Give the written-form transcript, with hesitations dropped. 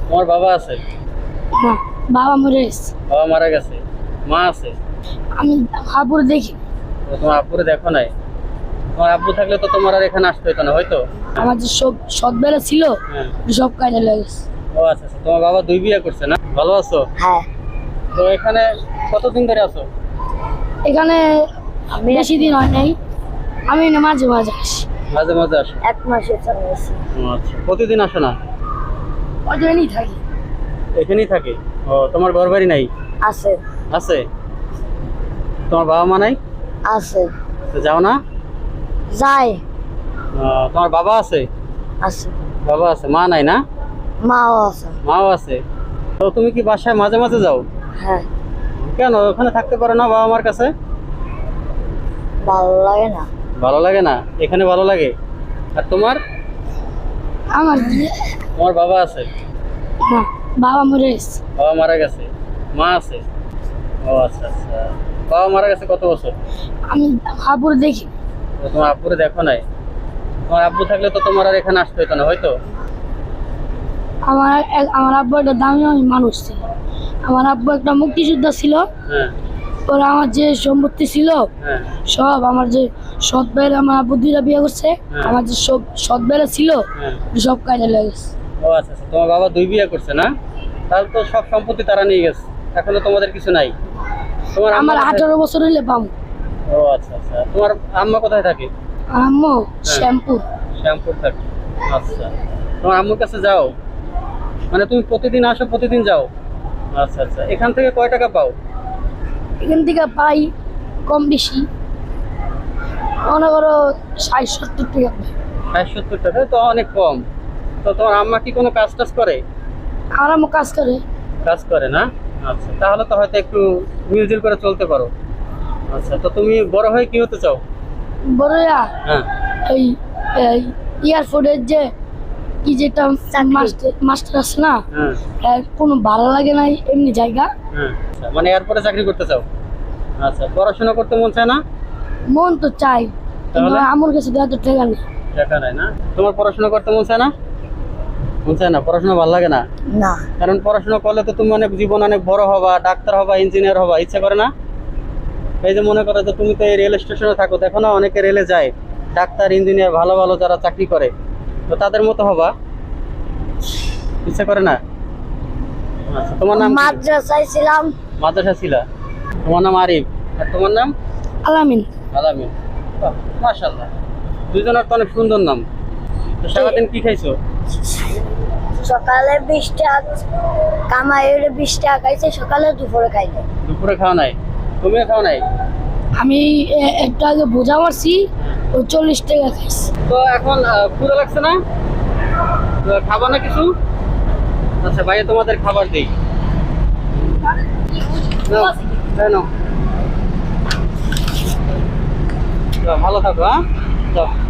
তোমার বাবা আছে? না, বাবা মরে গেছে। বাবা মারা গেছে। মা আছে? আমি আব্বুর দেখি। তো তোমার আব্বুরে দেখো নাই? তোমার আব্বু থাকলে তো তোমার আর এখানে আসতে হতো না হয়তো। আমার যে সব সৎবেলা ছিল হ্যাঁ। সব কাজে লেগেছে। ও আচ্ছা আচ্ছা, তোমার বাবা 2 বিয়ে করছে না? ভালো আছো? হ্যাঁ, তো এখানে কতদিন ধরে আছো? এখানে বেশি দিন হয় নাই, আমি না মাঝে মাঝে আসি। মাঝে মাঝে আসো? 1 মাসে চলে গেছি। ও আচ্ছা, প্রতিদিন আসো না? ওখানেই থাকি। এখানেই থাকে? ও, তোমার ঘর বাড়ি নাই? আছে। আছে। তোমার বাবা মা নাই? আছে। তো যাও না? যাই। তোমার বাবা আছে? আছে। বাবা আছে, মা নাই না? মাও আছে। মাও আছে। তো তুমি কি বাসায় মাঝে মাঝে যাও? হ্যাঁ। কেন ওখানে থাকতে পারো না বাবা মার কাছে? ভালো লাগে না। ভালো লাগে না? এখানে ভালো লাগে। আর তোমার? আমার তোমার বাবা আছে? না, বাবা মরে গেছে। বাবা মারা গেছে। মা আছে? ও আচ্ছা আচ্ছা। বাবা মারা গেছে কত বছর? আমি আব্বুর দেখি। তো তোমার আব্বুরে দেখো নাই? তোমার আব্বু থাকলে তো তোমার আর এখানে আসতে হতো না হয়তো। আমার আব্বু একটা দামি মানুষ ছিল। আমার আব্বু একটা মুক্তিযোদ্ধা ছিল। হ্যাঁ ওরা আমার যে সম্পত্তি ছিল হ্যাঁ সব, আমার যে সৎ ভাইয়ের, আমার আব্বু 2টা বিয়ে করছে, হ্যাঁ। আমার যে সব সৎ ভাইয়েরা ছিল হ্যাঁ। সব কাজে লেগেছে। ও আচ্ছা আচ্ছা, তোমার বাবা 2 বিয়ে করছে না? তাহলে তো সব সম্পত্তি তারা নিয়ে গেছে, এখনো তোমাদের কিছু নাই। তোমার আম্মা আমার কোথায়? 18 বছর হইলে পাবো। ও আচ্ছা আচ্ছা, তোমার আম্মা কোথায় থাকে? আম্মু শ্যাম্পুর। শ্যামপুর থাকে। আচ্ছা, তোমার আম্মুর কাছে যাও? মানে তুমি প্রতিদিন আসো, প্রতিদিন যাও? আচ্ছা আচ্ছা, এখান থেকে কয় টাকা পাও? এখান থেকে পাই কম বেশি, মনে করো 60-70 টাকা পাই। 60-70 টাকা তো অনেক কম। তো তোমার আম্মা কি কোনো কাজ টাজ করে? আমার আম্মু কাজ করে। কাজ করে না? আচ্ছা, তাহলে তো হয়তো একটু মিলজুল করে চলতে পারো। আচ্ছা, তো তুমি বড় হয়ে কি হতে চাও? বড়রা হ্যাঁ এই এয়ারপোর্টের যে কি যেটা মাস্টার আছে না, হ্যাঁ কোনো ভালো লাগে না এমনি জায়গা। হ্যাঁ। আচ্ছা, মানে এরপরে চাকরি করতে চাও? আচ্ছা, পড়াশোনা করতে মন চায় না? মন তো চাই, কিন্তু তাহলে? আমার কাছে তো এত টাকা নেই। টাকা নাই না? তোমার পড়াশোনা করতে মন চায় না? মন চায় না? পড়াশোনা ভালো লাগে না? না। কারণ পড়াশোনা করলে তো তুমি অনেক জীবন অনেক বড় হবা, ডাক্তার হবা, ইঞ্জিনিয়ার হবা, ইচ্ছা করে না? এই যে মনে করো যে তুমি তো এই রেল স্টেশনে থাকো, দেখো না অনেকে রেলে যায়, ডাক্তার ইঞ্জিনিয়ার ভালো ভালো যারা চাকরি করে, তো তাদের মতো হবা, ইচ্ছা করে না? আচ্ছা, তোমার নাম কি? মাদ্রাসায় ছিলাম। মাদ্রাসা ছিলা? তোমার নাম আরিফ, আর তোমার নাম? আলামিন। আলামিন। বাহ, মাশাআল্লাহ, দুইজনের তো অনেক সুন্দর নাম। তো সারাদিন কি খাইছো? সকালে 20 টাকা কামাই, 20 টাকা খাইছে সকালে, দুপুরে খাই নাই। দুপুরে খাওয়া নাই? তুমিও খাওয়া নাই? আমি একটু আগে বোঝা মারছি, ও 40 টাকা খাইছি। তো এখন ক্ষুধা লাগছে না? তো খাবা না কিছু? আচ্ছা, ভাইয়া তোমাদের খাবার দিই। নাও, নাও। ভালো থাকো, হ্যাঁ? যাও।